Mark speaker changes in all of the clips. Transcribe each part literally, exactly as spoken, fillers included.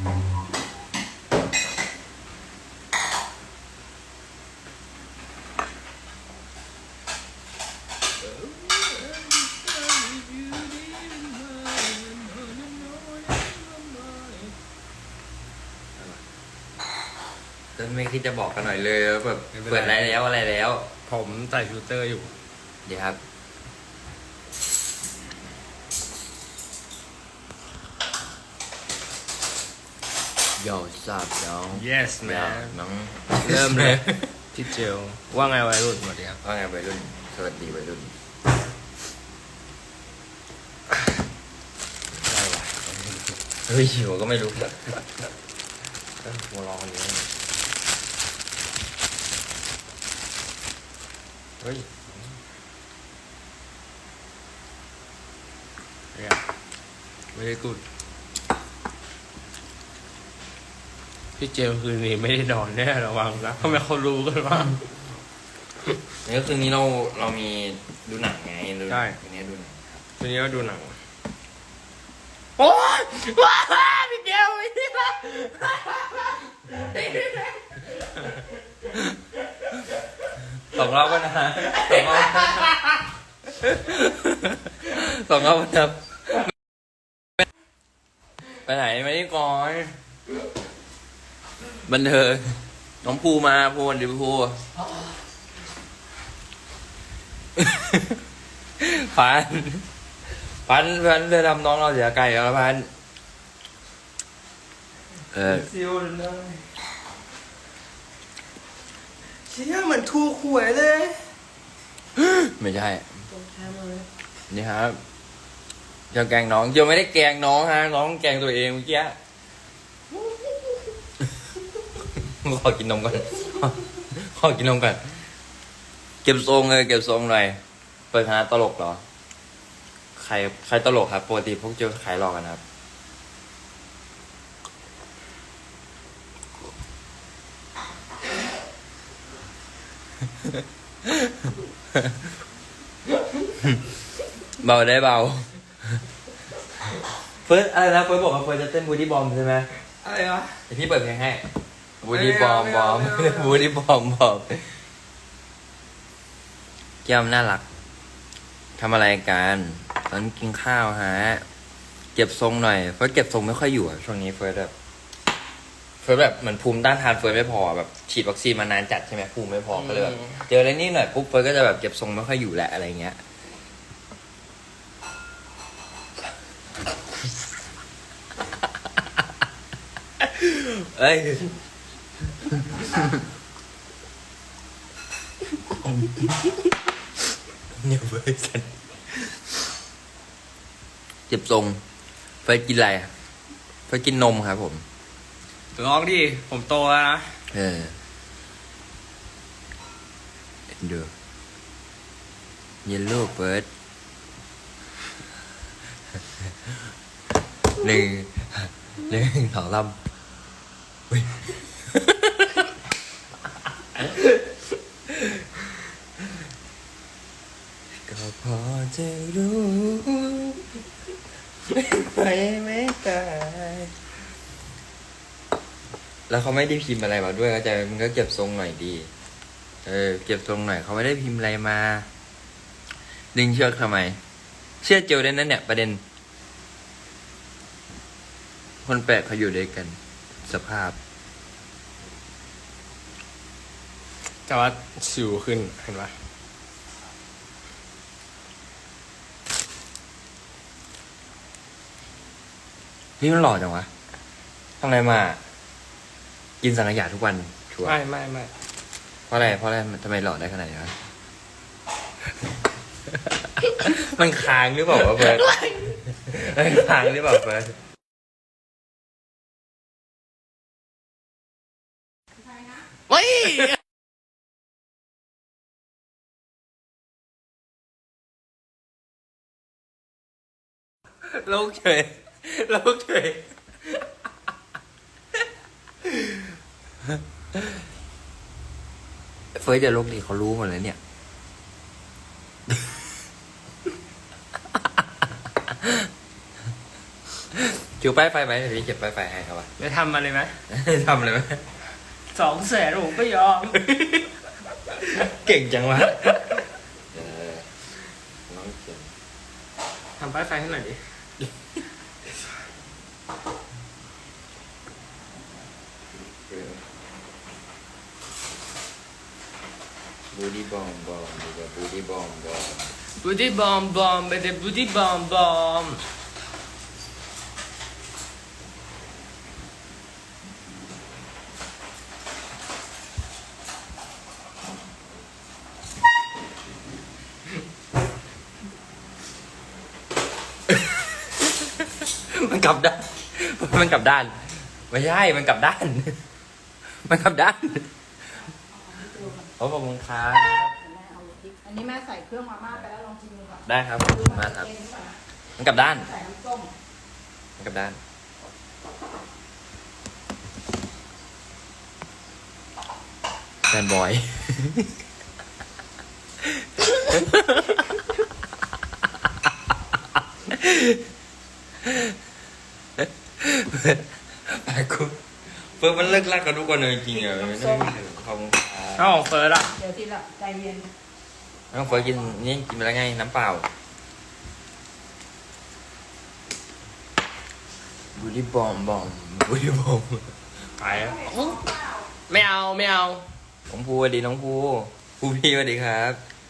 Speaker 1: จะไม่คิดจะบอกกันหน่อยเลยแบบเปิดอะไรแล้วอะไรแล้ว
Speaker 2: ผมใส่ฟิลเตอร์อยู่
Speaker 1: เดี๋ยวครับโย่ทราบน้อง
Speaker 2: yes man
Speaker 1: น้อง
Speaker 2: เริ่มเลยพี่เจลว่าไงวัยรุ่นสวัสดีครับ
Speaker 1: ว่าไงวัยรุ่นสวัสดีวัยรุ่น
Speaker 2: ได้วะ
Speaker 1: เฮ้ยหิวก็ไม่รู้แบบหัวร้อนอยู่เฮ้ย
Speaker 2: เนี่ยไม่ได้กูดพี่เจลคืนนี้ไม่ได้นอนแน่ระวังนะทำไมเขารู้กันว่า
Speaker 1: นี่ก็คือนี้เราเรามีดูหนังไง
Speaker 2: ใช่
Speaker 1: วันนี้ดูหนัง
Speaker 2: ทีนี้ก็ดูหนังโอ้ยว้าพี่เจลไม่ได้ละ
Speaker 1: สองรอบก็นะสองรอบสองรอบนะครับไปไหนไม่ได้ก่อนบันเทิงน้องภูมาภูวันดีภูพันพันพันเรือดำน้องเราเสียไก่แล้วพันเออ
Speaker 2: ซิวเลยเชี่ยเหมือนถูกหวยเลย
Speaker 1: ไม่ใช่นี่ครับจะแกงน้องเจียวไม่ได้แกงน้องฮะน้องแกงตัวเองเมื่อกี้ขอกินนมก่อนขอกินนมก่อนเก็บทรงเลยเก็บทรงหน่อยเปิดคณะตลกเหรอใครใครตลกครับปกติพวกเจอขายหลอกกันครับเบาได้เบาเฟิร์สอะไรนะเฟิร์สบอกว่าเฟิร์สจะเต้นบูดี้บอมใช่ไหม
Speaker 2: อะไรวะ
Speaker 1: เดี๋ยวพี่เปิดเพลงให้บูดี้บอมบอมบูดี้บอมบอมแก้มน่ารักทำอะไรกันตอนกินข้าวฮะเก็บทรงหน่อยเฟิร์สเก็บทรงไม่ค่อยอยู่ช่วงนี้เฟิร์สแบบเฟิร์สแบบเหมือนภูมิต้านทานเฟิร์สไม่พอแบบฉีดวัคซีนมานานจัดใช่ไหมภูมิไม่พอก็เลยแบบเจออะไรนี่หน่อยปุ๊บเฟิร์สก็จะแบบเก็บทรงไม่ค่อยอยู่แหละอะไรเงี้ยเอ้ยเนี่ยเฟิร์สกันเจ็บทรงเฟิร์สกินอะไรเฟิร์สกินนมครับผม
Speaker 2: ร้องดิผมโตแล้วนะ
Speaker 1: เออดูเยลโล่เฟิร์สหนึ่งหนึ่งสองลำก็พอจะรู้ไปไม่ตายแล้วเขาไม่ได้พิมพ์อะไรมาด้วยก็จะมันก็เก็บทรงหน่อยดีเออเก็บทรงหน่อยเขาไม่ได้พิมพ์อะไรมาดึงเชือกทำไมเชื่อเจลได้นั่นเนี่ยประเด็นคนแปลกเขาอยู่ด้วยกันสภาพ
Speaker 2: แต่ว่าสิวขึ้นเห็นปะ
Speaker 1: นี่มันหล่อจังวะทำอะไรมากินสังขยาทุกวันชัวร์
Speaker 2: ไม่ไม่ไม่
Speaker 1: เพราะอะไรเพราะอะไรทำไมหล่อได้ขนาดนี้วะ มันค้างหรือเปล่าวะเฟิร์สมันค้างหรือเปล่าเฟิร์ส
Speaker 2: เฮ้ย
Speaker 1: ลูกเฉยลูกเฉยเฟิร์สจะลูกดีเขารู้หมดเลยเนี่ยถือป้ายไฟไหมเดี๋ยวพี่เก็บป้ายไฟให้ครับว่า
Speaker 2: จะทำอะไรไหม
Speaker 1: ทำเลยไหม
Speaker 2: สองแสนผมก็ยอม
Speaker 1: เก่งจังวะเออน้องเก่ง
Speaker 2: ทำป้ายไฟให้หน่อยดิ
Speaker 1: บูดี้บอมบอมดีกว่าบูดี้บอมบอม
Speaker 2: บูดี้บอมบอมเป็นบูดี้บอมบอม
Speaker 1: มันกลับด้าน มันกลับด้าน ไม่ใช่ มันกลับด้าน มันกลับด้านขอบคุณครับ
Speaker 3: แม่เอาพริกอันนี้แม่ใส่เครื่องมาม่าไปแล้วลองชิมดูก่อน
Speaker 1: ได้ครับขอบคุณมากครับ มันกลับด้าน
Speaker 3: ใส่น้ำส้ม
Speaker 1: มันกลับด้าน แฟนบอย ไปกูเฟิร์สมันเลิกลักกับทุกคนเลยจริงๆอ่ะไม่ต้องขอบคุณครับ
Speaker 2: เอาของเฟิร์สอะ
Speaker 3: เดี๋ยวทีละใจเย็น
Speaker 1: น้องเฟิร์สกินนี่กินไปแล้วไงน้ำเปล่าบูดี้บอมบอมบูดี้บอม
Speaker 2: ไปอะไม่เอาไม่เอา
Speaker 1: น้องภูสวัสดีน้องภูภูพี่สวัสดีครับ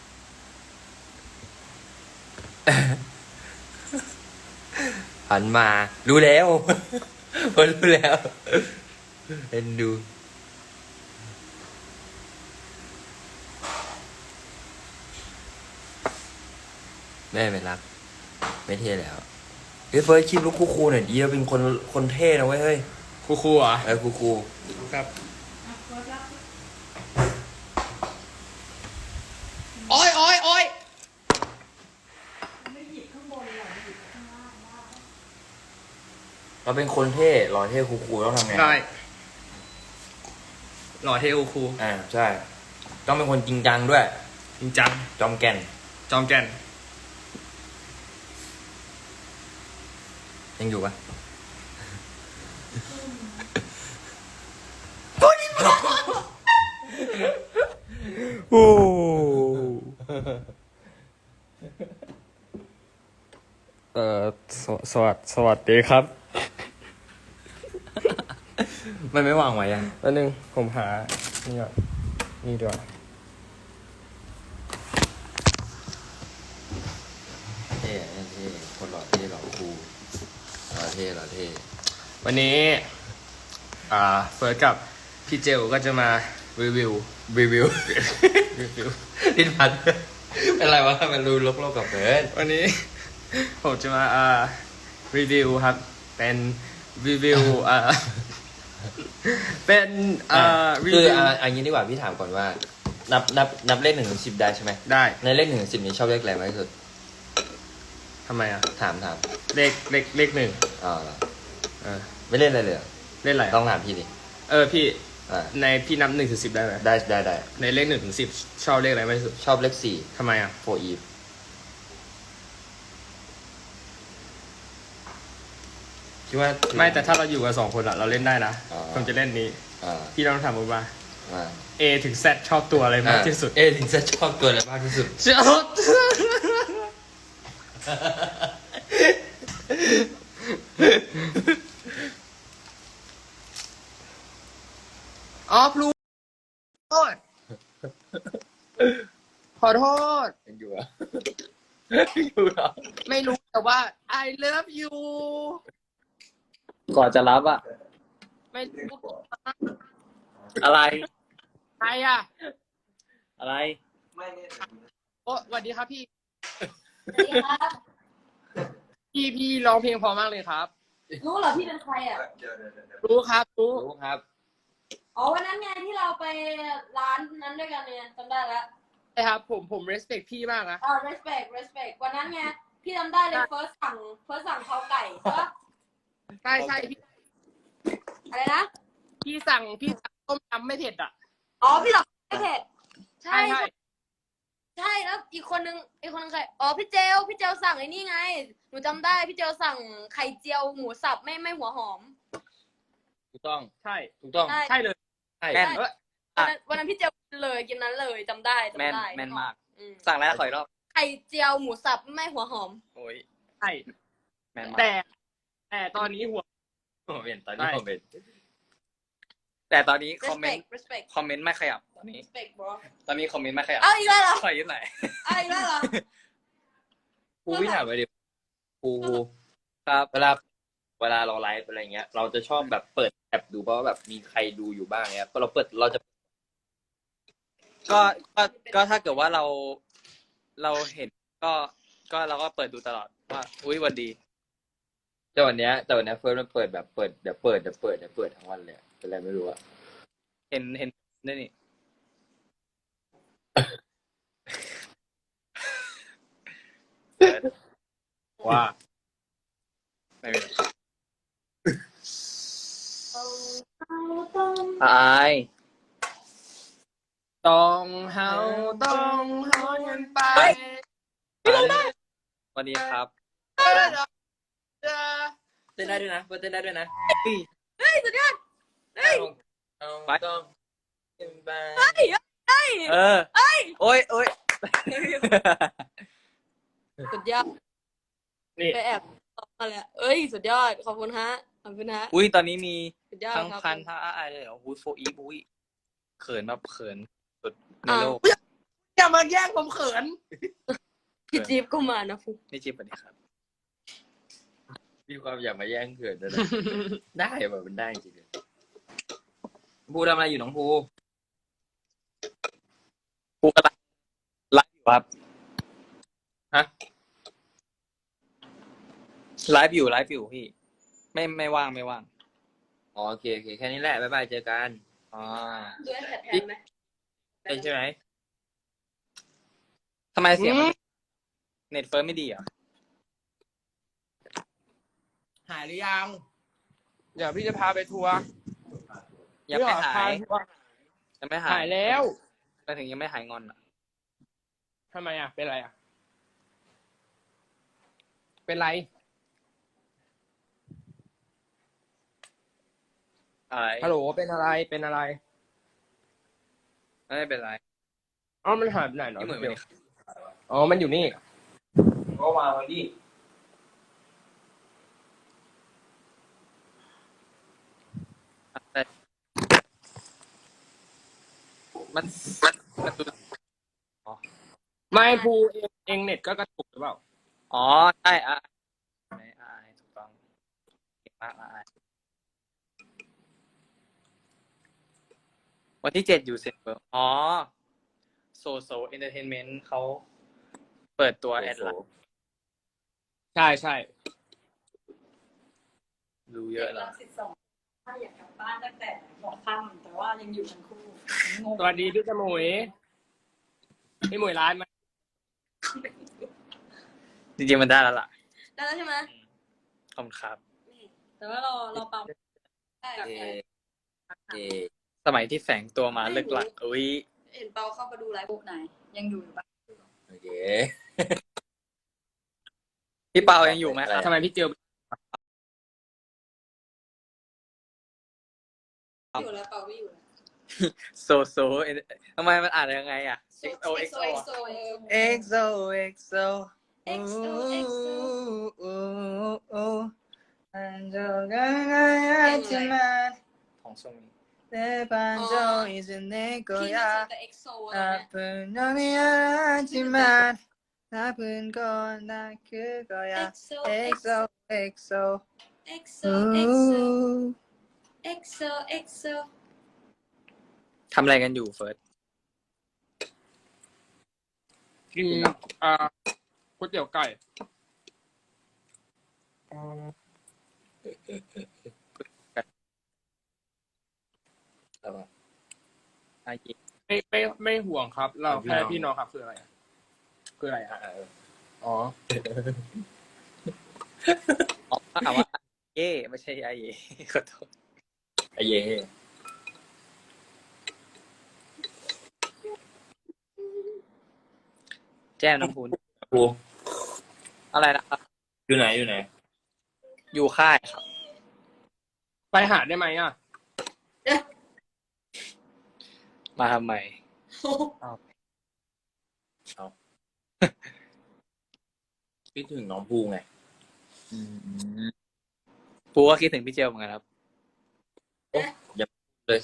Speaker 1: หันมารู้แล้ว พอรู้แล้วเอ็นดูแม่ไม่รัก ไม่เท่แล้วเฮ้ยเฟิร์สคลิปลูกคูๆหน่อยดีเราเป็นคนคนเท่นะเว้ยเฮ้ย
Speaker 2: ครูครูเหรอ
Speaker 1: เออคูๆ
Speaker 2: ครับ
Speaker 3: อ่ะเฟิร์สรับ
Speaker 2: โอ้ยโอ้ยโอ้ย
Speaker 3: ไม่หยิบข้างบนหรอกหยิบข้างล่างได้
Speaker 1: เราเป็นคนเท่หล่อเท่คูลๆต้องทำไง
Speaker 2: ได้หล่อเทครูครู
Speaker 1: อ่าใช่ ต้องเป็นคนจริงจังด้วย
Speaker 2: จริงจัง
Speaker 1: จอมแก่น
Speaker 2: จอมแก่น
Speaker 1: ยังอยู่ปะโอ้
Speaker 2: เอ่อสวสวัสสวัสดีครับ
Speaker 1: มันไม่วางไว้ยัง
Speaker 2: แล้วนึงผมหา นี่ก่อนนี่ดีกว่า
Speaker 1: เท่เท่คนหล่อเท่หล่อคูลหล่อเท่หล่อเท่
Speaker 2: วันนี้ อ่า เฟิร์สกับพี่เจลก็จะมารีวิว
Speaker 1: รีวิว
Speaker 2: รีวิว
Speaker 1: ลิ้นพันเป็นไรวะมันรู้ลบๆกับเฟิร์ส
Speaker 2: วันนี้ ผมจะมาอ่ารีวิวครับ เป็นรีวิวอ่า เป็นอ่ารี
Speaker 1: คือ
Speaker 2: วิว
Speaker 1: อ่าอันนี้ดีกว่าพี่ถามก่อนว่า นับนับนับเลขหนึ่งถึงสิบได้ใช่ไหม
Speaker 2: ได้
Speaker 1: ในเลขหนึ่งถึงสิบนี้ชอบเลขอะไรมากที่สุด
Speaker 2: ทำไมอ่ะ
Speaker 1: ถามถาม
Speaker 2: เลขเลขเลขหนึ่ง
Speaker 1: อ๋อเหรอ
Speaker 2: เออ
Speaker 1: ไม่เล่นอะไรเลยเหรอ
Speaker 2: เล่นอะไร
Speaker 1: ต้องถามพี่ดิ
Speaker 2: เออพี่
Speaker 1: อ่า
Speaker 2: ในพี่นับหนึ่งถึงสิบได้ไหม
Speaker 1: ได้ได้ได้
Speaker 2: ในเลขหนึ่งถึงสิบชอบเลขอะไรมากที่สุด
Speaker 1: ชอบเลขสี่
Speaker 2: ทำไมอ่ะ
Speaker 1: โฟอีฟคิดว่า
Speaker 2: ไม่แต่ถ้าเราอยู่กันสองคนอะเราเล่นได้นะ
Speaker 1: อ๋อ
Speaker 2: ผมจะเล่นนี้
Speaker 1: อ่า
Speaker 2: พี่ต้องถามผมว่า
Speaker 1: อ่า
Speaker 2: A ถึง Z ชอบตัวอะไรมากที่สุด
Speaker 1: เอถึงจะชอบตัวอะไรมากที่สุด
Speaker 2: ชอบอ๋อพลูโทษขอโทษ
Speaker 1: ยังอยู่อ่ะ อยู่เหรอ
Speaker 2: ไม่รู้แต่ว่า I love you
Speaker 4: ก่อนจะรับอะ
Speaker 2: ไม่รู้
Speaker 4: อะไร
Speaker 2: ใครอ่ะ
Speaker 4: อะไร
Speaker 2: โอ้สวัสดีครับพี่
Speaker 3: สวัสดีครับ
Speaker 2: พี่พี่ร้องเพลงเพอมากเลยครับ
Speaker 3: รู้เหรอพี่เป็นใครอ่ะ
Speaker 2: รู้ครับรู้
Speaker 1: รู้ครับ
Speaker 3: อ๋อวันนั้นไงที่เราไปร้านนั้นด้วยกันเนี่ยจำได้แล้ว
Speaker 2: ใช่ครับผมผม respect พี่มากนะ
Speaker 3: อ่า respect respect วันนั้นไงพี่จำได้เลย first สั่ง first สั่งข้าวไก่ใช่ปะ
Speaker 2: ใช่ใช่พี่
Speaker 3: อะไรนะ
Speaker 2: พี่สั่งพี่สั่งต้มยำไม่เผ็ดอ่ะ
Speaker 3: อ๋อพี่หลอกไม่เผ็ดใช่
Speaker 2: ใช่
Speaker 3: ใช่แล้วอีกคนนึงอีกคนนึงใครอ๋อพี่เจลพี่เจลสั่งไอ้นี่ไงหนูจำได้พี่เจลสั่งไข่เจียวหมูสับไม่ไม่หัวหอม
Speaker 1: ถูกต้อง
Speaker 2: ใช่
Speaker 1: ถูกต้อง
Speaker 3: ใช่
Speaker 2: ใช่เลย
Speaker 1: ใช่
Speaker 4: แม่น
Speaker 2: เออ
Speaker 3: วันนั้นวันนั้นพี่เจลกินเลยกินนั้นเลยจำได้
Speaker 4: แม่น
Speaker 3: จำได้
Speaker 4: แม่นมาก
Speaker 3: อืม
Speaker 4: สั่งแล้วขออีกรอบ
Speaker 3: ไข่เจียวหมูสับไม่หัวหอม
Speaker 4: โอ้ย
Speaker 2: ใช่
Speaker 4: แม่นมาก
Speaker 2: แต่แต่ตอนนี้หัว
Speaker 1: ผมเห็นตอนนี้ผมเห็น
Speaker 4: แต่ตอนนี้คอมเมน
Speaker 3: respect
Speaker 4: ต์
Speaker 3: respect
Speaker 4: คอมเมนต์ไม่ขยับตอนนี้
Speaker 3: respect bro
Speaker 4: ตอนนี้คอมเมนต์ไม่ขยับ
Speaker 3: เอาอีกแล้วเหรอ
Speaker 4: ขอยืมหน่อย
Speaker 3: เอาอีกแล้วเหรอ
Speaker 1: ครูพี่ถามไปดิครูครู
Speaker 4: ครับ
Speaker 1: เวลาเวลาเราไลฟ์อะไรเงี้ย เราจะชอบแบบเปิดแอปดูเพราะว่าแบบมีใครดูอยู่บ้างเงี้ยพอเราเปิดเราจะ
Speaker 4: ก็ก็ก็ถ้าเกิดว่าเราเราเห็นก็ก็เราก็เปิดดูตลอดว่าอุ้ยวันดี
Speaker 1: แต่วันเนี้ยแต่วันเนี้ยเฟิร์สมันเปิดแบบเปิดเดี๋ยวเปิดเดี๋ยวเปิดเดี๋ยวเปิดทั้งวันเลยอะเป็นอะไรไม่รู้อะ
Speaker 4: เห็นเห็นนี่นี่
Speaker 1: ว่า
Speaker 4: ไม่เป็นไร
Speaker 3: เอาเอาต้อง
Speaker 4: อาย
Speaker 2: ต้องเฮาต้องเฮาเงินไป
Speaker 4: วันดีครับ
Speaker 1: เต้นได้ด้วยนะเฟิร์สเต้นได้ด้วยนะ
Speaker 3: เฮ้ยสุดยอดเฮ้ย
Speaker 1: เอา
Speaker 4: ไป
Speaker 1: ต้องขึ้นไป
Speaker 3: เฮ้ยเฮ้ย
Speaker 4: เออโอ้ยโอ้ย
Speaker 3: สุดยอด
Speaker 2: นี่
Speaker 3: ไปแอบตอบมาแล้วเอ้ยสุดยอดขอบคุณฮะขอบคุณฮะ
Speaker 4: อุ้ยตอนนี้มี
Speaker 3: สุดยอด
Speaker 4: ทั้ง
Speaker 3: ครับ
Speaker 4: พันทั้งอายเลยเหรออุ้ยโฟอีฟอุ้ยเขินแบบเขินสุดในโลก
Speaker 2: อย่ามาแย่งผมเขิน
Speaker 3: พี่จี๊บก็มานะฟุก
Speaker 4: นี่จิ๊บสวัสดีครับ
Speaker 1: มีความอยากมาแย่งเกิดด้วยนะ ได้แบบมันได้จริงๆภูทำอะไรอยู่น้องภู
Speaker 4: กูกำลังไลฟ์อยู่ครับ
Speaker 1: ฮะ
Speaker 4: ไลฟ์อยู่ไลฟ์อยู่พี่ ไม่ไม่ว่างไม่ว่าง
Speaker 1: อ๋อโอเคโอเคแค่นี้แหละบ๊ายบายเจอกัน
Speaker 4: อ๋อ
Speaker 3: ดูแอดแทนไหม
Speaker 1: ได้ใช่ไหม
Speaker 4: ทำไมเสียงมันเน็ตเฟิร์มไม่ดีเหรอ่ะ
Speaker 2: หายหรือยัง เดี๋ยวพี่จะพาไปทัวร์
Speaker 4: ยังไม่หาย
Speaker 2: ทัวร์
Speaker 4: ยังไม่หาย
Speaker 2: หายแล้ว
Speaker 4: ไปถึงยังไม่หายงอนอ่ะ
Speaker 2: ทำไมอ่ะ เป็นไรอ่ะ เป็นไร
Speaker 4: อะไร
Speaker 2: ฮัลโหล เป็นอะไร เป็นอะไร
Speaker 4: ไม่เป็นไร
Speaker 2: อ๋อ มันหายไปไหนเนาะ
Speaker 4: นี่เหมือนไม่ได้
Speaker 2: อ๋อ มันอยู่นี่
Speaker 1: ก็วางไว้ดิ
Speaker 4: แต่มันมันมันดู
Speaker 2: ไม่ภูเองเองเน็ตก็กระตุกหรือเปล่า
Speaker 4: อ๋อใช่อ่ะไม่อายถูกต้องเก่งมากอายวันที่เจ็ดอยู่เซ็นเบอร์อ๋อโซโซเอนเตอร์เทนเมนต์เขาเปิดตัวแอดไลน์
Speaker 2: ใช่ใช่
Speaker 4: ดูเยอะแล้ว
Speaker 5: สิบสองถ้าอยากกลับบ้านตั้งแต่หัวค่ำแต่ว่ายังอยู่ทั้งคู่งง
Speaker 2: สวัสดีพี่จมุยพี่หมวยร้านไหม
Speaker 4: จริงๆมันได้แล้วล่ะ
Speaker 3: ได้แล้วใช่ไหม
Speaker 4: ขอบคุณครับ
Speaker 5: แต่ว่าเราเราปั๊ม
Speaker 3: ได้
Speaker 1: เอเอ
Speaker 4: สมัยที่แฝงตัวมาเลิกหลักอุ้ย
Speaker 3: เห็นเปาเข้ามาดูไลฟ์
Speaker 5: ปุ๊บไหน ยังอยู่หรือเปล่า
Speaker 1: โอเค
Speaker 4: พี่เปายังอยู่ไหมครับ
Speaker 2: ทำไมพี่เจียว
Speaker 3: อยู่แล้วเปาไม่อยู่แล้ว
Speaker 4: โซโซทำไมมันอ่านยังไงอ่ะ
Speaker 3: โซ
Speaker 4: X O X O
Speaker 3: X O
Speaker 4: X O X O
Speaker 3: X O X O
Speaker 4: อันโจกันไงจะมาของทรงนี้เตปันโจอิสเนโก
Speaker 3: พี่
Speaker 4: ยา
Speaker 3: นึกถึงแต่ เอ็กโซ
Speaker 4: อา
Speaker 3: นะ
Speaker 4: เปินนอมิอาจิมาถ้าเปินก่อนนะคือก็ยา
Speaker 3: เอ็กโซ
Speaker 4: X O X O
Speaker 3: X O X O X O X O
Speaker 4: ทำอะไรกันอยู่เฟิร์ส
Speaker 2: กินอ่าก๋วยเตี๋ยวไก่
Speaker 4: อายิ
Speaker 2: ไม่ไม่ไม่ห่วงครับ เราแค่พี่น้องครับคืออะไรอะคืออะไรอ่ะอ๋อ
Speaker 4: อ๋อถามว่าเย่ไม่ใช่ไอเย่ขอโทษ
Speaker 1: ไอเย่
Speaker 4: พก้มน้ำพุน
Speaker 2: ภู
Speaker 4: อะไรนะครับ
Speaker 2: อยู่ไหนอยู่ไหน
Speaker 4: อยู่ค่ายครับ
Speaker 2: ไปหาได้ไหมอ่ะ
Speaker 4: มาทำไม
Speaker 2: คิดถึงน้องภูไง
Speaker 4: ปูก็คิดถึงพี่เจลเหมือนกันครับ
Speaker 1: เลย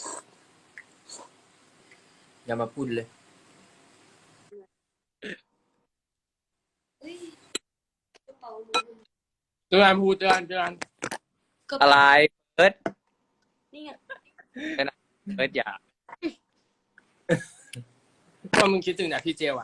Speaker 1: อย่ามาพูดเลย
Speaker 3: เฮ้ยกระเป๋าหนู
Speaker 2: เจอกันภูเจอกันเจอกัน
Speaker 3: กระ
Speaker 4: อะ
Speaker 3: เป๋า
Speaker 4: ไรเอิร์ด
Speaker 3: นี่ไง
Speaker 4: เอิร์ดอย่า
Speaker 2: ก็มึงคิดถึงแต่พี่เจลอ่ะ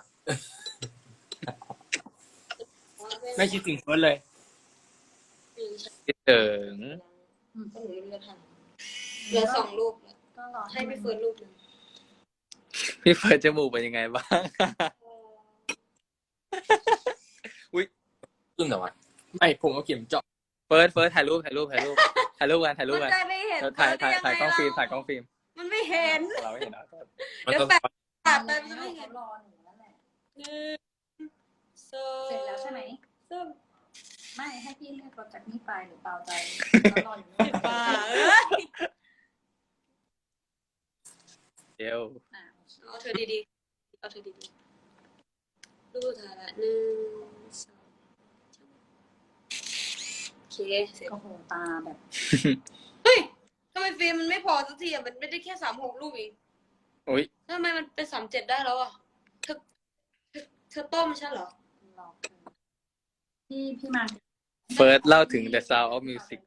Speaker 2: ไม่คิดถึงเฟิร์สเลย
Speaker 4: คิดถึง
Speaker 3: ก็หนูไม่รู้จะทำเหลือสองรูปแล้ว
Speaker 5: ก็รอ
Speaker 3: ให้พี่เฟิร์นรูปหนึ่ง
Speaker 4: พี่เฟิร์นจมูกเป็นยังไงบ้าง
Speaker 1: ขึ้นเหรอวะ
Speaker 2: ไม่ผมเอาเข็มเจาะ
Speaker 4: เฟิร์สเฟิร์สถ่ายรูปถ่ายรูปถ่ายรูปถ่ายรูปกันถ่ายรูป
Speaker 3: มัน
Speaker 4: กัน
Speaker 3: จะไม่เห็น
Speaker 4: ถ่ายถ่าย
Speaker 3: เฟิร์นได้
Speaker 4: ถ่ายกล้องฟิล์ม
Speaker 3: ไ
Speaker 4: ถ่ายกล้องฟิล์ม
Speaker 3: มันไม่เห็น
Speaker 4: เราไม่เห็นนะ
Speaker 1: มัน
Speaker 3: เดี๋ยว
Speaker 1: ก็
Speaker 3: แปะตัดไป
Speaker 5: แล้
Speaker 3: มันจะไม่เห็น
Speaker 5: รอหนูนั่นแหละ
Speaker 3: หนึ่งสอง
Speaker 5: เสร็จแล้วใช่ไหม
Speaker 3: สาม
Speaker 5: ไม่ให้พี่เรียกรถจากนี่ไปหรือเปล่าใจแล้วรออยู่นู่น
Speaker 3: ป่าเอ้ย
Speaker 4: เดี๋ยว
Speaker 5: อ่ะ
Speaker 3: เอาเธอดีๆเอาเธอดีๆรูปสุดท้ายละหนึ่งสองโอเคเสร็จ
Speaker 5: โอ้โหตาแบบ
Speaker 3: เฮ้ยทำไมฟิล์มมันไม่พอสักทีอ่ะมันไม่ได้แค่สามหกรูปเอง
Speaker 4: อุ้ย
Speaker 3: ทำไมมันเป็นสามเจ็ดได้แล้วอ่ะเธอเธอเธอต้มใช่เหรอ
Speaker 5: รอพี่พี่มา
Speaker 4: เฟิร์สเล่าถึง The Sound of Music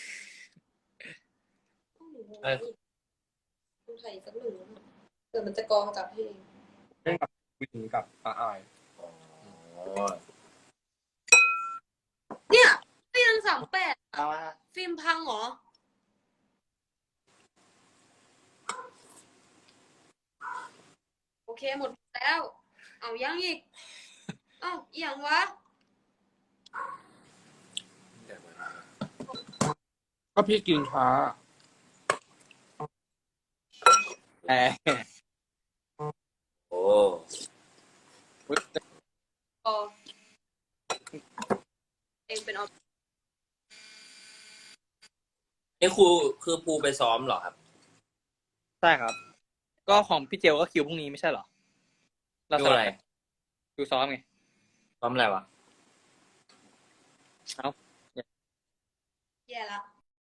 Speaker 3: เอ้ยต้องถ่ายอีกสักหนึ่งรูปเดี๋ยวมันจะกองจับให้เอง
Speaker 2: เล่นกับวินกับอาอาย
Speaker 3: เนี่ยก็ยังสามแปด
Speaker 2: เอาอะ
Speaker 3: ฟิล์มพังเหรอ โอเคหมดแล้ว เอายังอีก เอ้าอีหยังวะ
Speaker 2: ก็พี่กินช้า
Speaker 4: แอร์
Speaker 1: โอ้
Speaker 3: พอเองเป็นออ
Speaker 1: นี่ครูคือภูไปซ้อมเหรอครับ
Speaker 4: ใช่ครับ ก็ของพี่เจลก็คิวพรุ่งนี้ไม่ใช่เหรอ เรา
Speaker 1: ดู
Speaker 4: ส
Speaker 1: อะ
Speaker 4: ลั
Speaker 1: ไร
Speaker 4: บคิวซ้อมไง
Speaker 1: ซ้อมอะไรวะ
Speaker 3: แย่ละ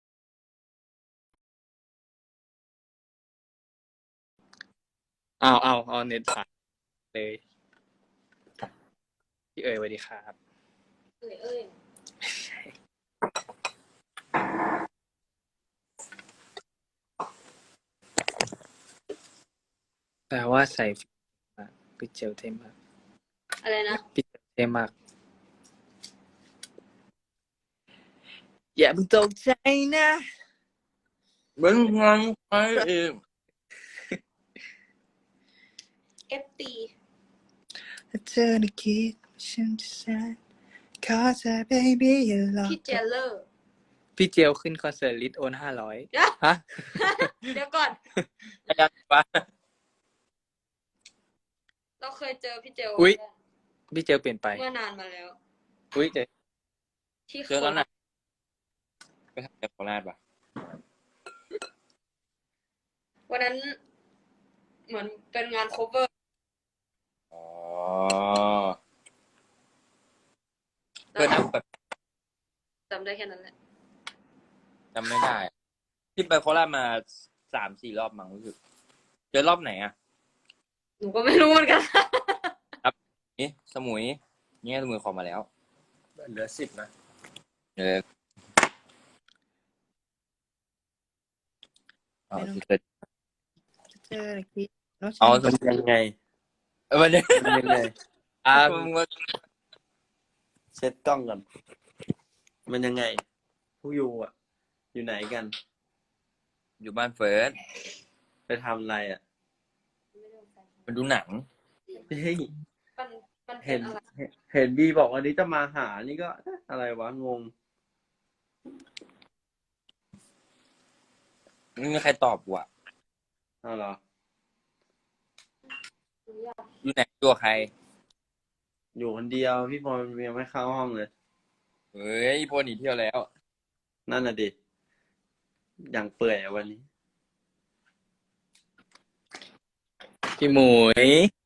Speaker 4: เอาเอาเอาเน็ตสายเลย พี่เอ๋ยสวัสดีครับ
Speaker 3: เอ้ยเอ้ย
Speaker 4: แปลว่าใส่พี่เจลเท่มาก
Speaker 3: อะไรนะ
Speaker 4: พี่เจลเท่มาก อย่าเพิ่งตกใจนะ
Speaker 1: เหมือนงานไปเอง
Speaker 3: เอฟตี
Speaker 4: ถ้าเธอได้คิดว่าฉันจะแสนขอเธอ baby อย่าหลอก
Speaker 3: พี่เจเลอร์
Speaker 4: พี่เจลขึ้นคอนเสิร์ตลิทโอนห้าร้อย
Speaker 3: เดี๋ยว
Speaker 4: ฮะ
Speaker 3: เดี๋ยวก่อน
Speaker 1: ยังปะ
Speaker 3: เราเคยเจอพี่เจล
Speaker 4: อุ๊ย พี่เจลเปลี่ยนไป
Speaker 3: เมื่อนานมาแล้ว
Speaker 4: อุ้ยเจอ
Speaker 3: ที่
Speaker 1: เจอแล้วนะไปทำจากโคราชปะ
Speaker 3: วันนั้น เหมือนเป็นงานโคเวอร์
Speaker 1: อ๋อเพื่อนนั่งแบบ
Speaker 3: จำได้แค่นั้นแหละ
Speaker 1: จำไม่ได้อะที่ไปโคราชมาสามสี่รอบมั้งรู้สึกเจอรอบไหนอ่ะ
Speaker 3: หนูก็ไม่รู้เหมือนกัน
Speaker 1: นี่สมุยเนี่ยสมุยขอมาแล้ว
Speaker 2: เหลือสิบนะ
Speaker 1: เออเอาสิเกิด
Speaker 4: เจอคิด
Speaker 1: เอาส
Speaker 2: มัน
Speaker 1: มุย
Speaker 2: ยังไง
Speaker 1: เออวันนี้
Speaker 2: มันยังไง
Speaker 1: อ่ามึงว่า
Speaker 2: เช็ดกล้องก่อน มันยังไงผู้อยู่อ่ะ อยู่ไหนกัน
Speaker 1: อยู่บ้านเฟิร์ส
Speaker 2: ไปทำอะไรอ่ะ
Speaker 1: มาดูหนัง
Speaker 2: เฮ้ย
Speaker 3: มันมันเป็
Speaker 2: เห็
Speaker 3: น
Speaker 2: น
Speaker 3: อะไร
Speaker 2: เห็นบีบอกวันนี้จะมาหา นี่ก็เอ๊ะอะไรวะ งง
Speaker 1: ไม่มีใครตอบว่ะ
Speaker 2: เอาเหรอ
Speaker 1: อยู่ไหนอยู่กับใคร
Speaker 2: อยู่คนเดียวพี่พลยังไม่เข้าห้องเลย
Speaker 1: เฮ้ยพวกหนีเที่ยวแล้ว
Speaker 2: นั่นน่ะดิอย่างเปื่อยอะวันนี้
Speaker 4: พี่หมุย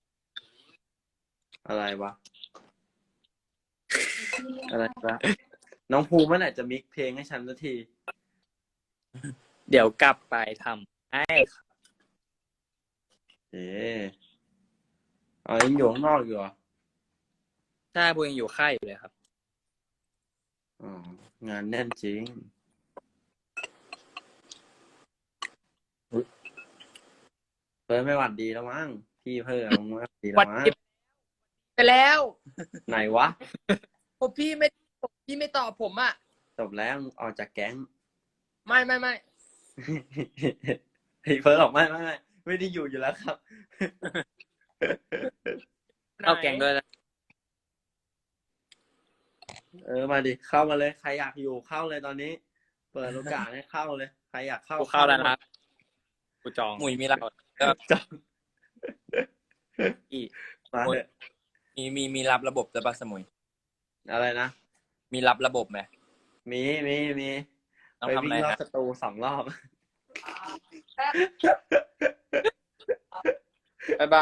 Speaker 2: อะไรวะ อะไรวะ น้องภูมิเมื่อไหร่จะมิกเพลงให้ฉันสักที
Speaker 4: เดี๋ยวกลับไปทำให้
Speaker 2: เอ๊ะอ๋อยังอยู่ข้างนอกอยู่เหรอ
Speaker 4: ถ้าบูยังอยู่ค่ายอยู่เลยครับ
Speaker 2: อ๋องานแน่นจริงเพิ่มไม่หวัดดีแล้วมั้งพี่เพิ่มไม่หวัดดีแล้วมั้ง
Speaker 6: ไปแล้ว
Speaker 2: ไหนวะ
Speaker 6: ผมพี่ไม่ผมพี่ไม่ตอบผมอ่ะ
Speaker 2: จบแล้วออกจากแก๊ง
Speaker 6: ไม่ไม่ไม่
Speaker 2: เฮ้ยเฟิร์สบอกไม่ไม่ไม่ไม่ได้อยู่อยู่แล้วครับ
Speaker 4: เข้าแกงด้วยนะ
Speaker 2: เออมาดิเข้ามาเลยใครอยากอยู่เข้าเลยตอนนี้ เปิดโอกาสให้เข้าเลยใครอยากเข้า
Speaker 4: กูเข้าแล้วนะกูจอง
Speaker 1: หมุยมีรับ
Speaker 2: จัง
Speaker 1: อี
Speaker 2: มาเถอะ
Speaker 1: มีมีมีรับระบบจะปะสมุย
Speaker 2: อะไรนะ
Speaker 1: มีรับระบบไหม
Speaker 2: มีมีมี
Speaker 1: ต้อง
Speaker 2: ไป
Speaker 1: ทำ
Speaker 2: วิ่
Speaker 1: อะไร
Speaker 2: งรอบ
Speaker 1: ฮะ
Speaker 2: สตูสองรอบ
Speaker 1: ไปบ้า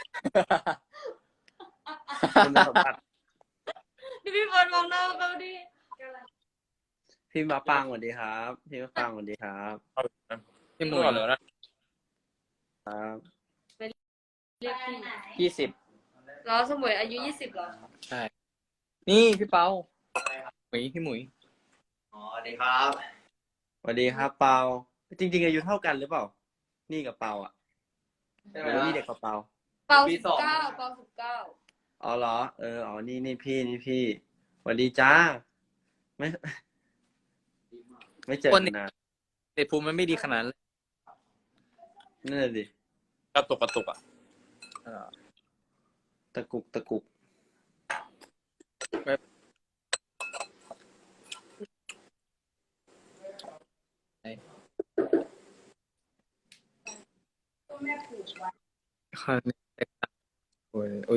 Speaker 2: คุณสมบัติ
Speaker 3: ดิพี่เฟิร์นมองหน้าเขาดิ
Speaker 2: พี่มาปังสวัสดีครับพี่มาปังสวัสดีครับ
Speaker 4: พี่หมุย
Speaker 1: เหรอนะครับ
Speaker 3: เรียกพี่
Speaker 4: ยี่สิบ
Speaker 3: แล้วสมุยอายุยี่สิบเหรอ
Speaker 4: ใช่ นี่พี่เปาหมุยพี่หมุย
Speaker 2: อ๋อสวัสดีครับสวัสดีครับเปาจริง ๆ อายุเท่ากันหรือเปล่า นี่กับเปาอ่ะหรือว่านี่เด็กกว่าเปา
Speaker 3: เปาสิบเก้าเปาสิบเก้า
Speaker 2: อ๋อเหรอ เออ อ๋อ นี่นี่พี่ นี่พี่สวัสดีจ้า ไม่ ไม่เจอกันนาน
Speaker 4: เด็กภูมิมันไม่ดีขนาดนั้นเลย
Speaker 2: นั่นแหละดิ
Speaker 1: กระตุกกระตุกอ่ะ
Speaker 4: เออ
Speaker 2: ตะกุกตะกุก
Speaker 4: ข้าวนี่โอ้ยอุ้ย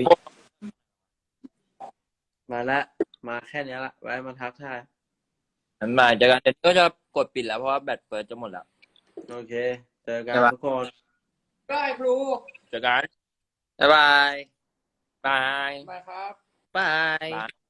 Speaker 2: มาละ มาแค่เนี้ยละ ไว้มาทักทาย
Speaker 1: นั้นมาเจอกันเดี๋ยวก็จะกดปิดแล้วเพราะว่าแบตเฟิร์สจะหมดแล้ว
Speaker 2: โอเค เจอกันทุกคน
Speaker 6: ได้ครู
Speaker 1: เจอกัน
Speaker 4: บ๊ายบาย
Speaker 1: บาย
Speaker 6: มาครับ
Speaker 4: บาย
Speaker 1: บาย